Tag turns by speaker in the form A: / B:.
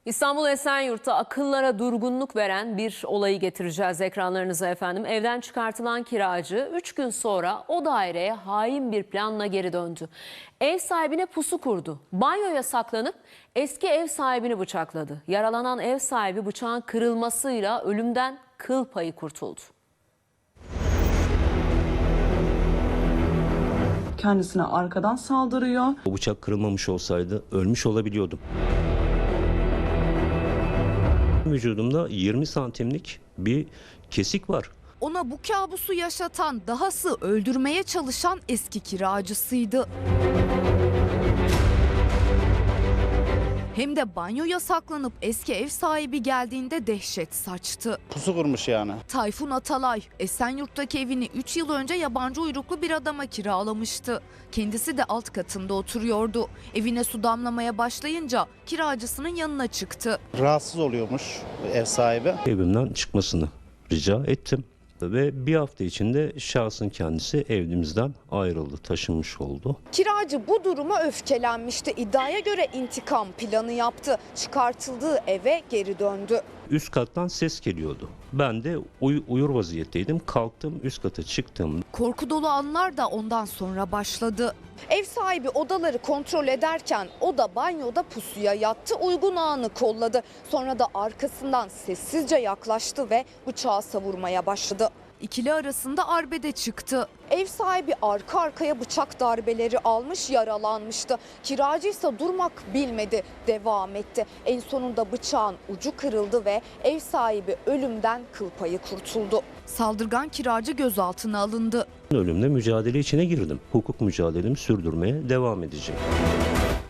A: İstanbul Esenyurt'ta akıllara durgunluk veren bir olayı getireceğiz ekranlarınıza efendim. Evden çıkartılan kiracı 3 gün sonra o daireye hain bir planla geri döndü. Ev sahibine pusu kurdu. Banyoya saklanıp eski ev sahibini bıçakladı. Yaralanan ev sahibi bıçağın kırılmasıyla ölümden kıl payı kurtuldu.
B: Kendisine arkadan saldırıyor.
C: O bıçak kırılmamış olsaydı ölmüş olabiliyordum. Vücudumda 20 santimlik bir kesik var.
D: Ona bu kabusu yaşatan, dahası öldürmeye çalışan eski kiracısıydı. Hem de banyoya saklanıp eski ev sahibi geldiğinde dehşet saçtı.
E: Pusu kurmuş yani.
D: Tayfun Atalay, Esenyurt'taki evini 3 yıl önce yabancı uyruklu bir adama kiralamıştı. Kendisi de alt katında oturuyordu. Evine su damlamaya başlayınca kiracısının yanına çıktı.
E: Rahatsız oluyormuş ev sahibi.
C: Evimden çıkmasını rica ettim. Ve bir hafta içinde şahsın kendisi evimizden ayrıldı, taşınmış oldu.
D: Kiracı bu duruma öfkelenmişti. İddiaya göre intikam planı yaptı. Çıkartıldığı eve geri döndü.
C: Üst kattan ses geliyordu. Ben de uyur vaziyetteydim. Kalktım, üst kata çıktım.
D: Korku dolu anlar da ondan sonra başladı. Ev sahibi odaları kontrol ederken o da banyoda pusuya yattı, uygun anı kolladı. Sonra da arkasından sessizce yaklaştı ve bıçağı savurmaya başladı. İkili arasında arbede çıktı. Ev sahibi arka arkaya bıçak darbeleri almış, yaralanmıştı. Kiracı ise durmak bilmedi, devam etti. En sonunda bıçağın ucu kırıldı ve ev sahibi ölümden kıl payı kurtuldu. Saldırgan kiracı gözaltına alındı.
C: Ölümle mücadele içine girdim. Hukuk mücadelemi sürdürmeye devam edeceğim.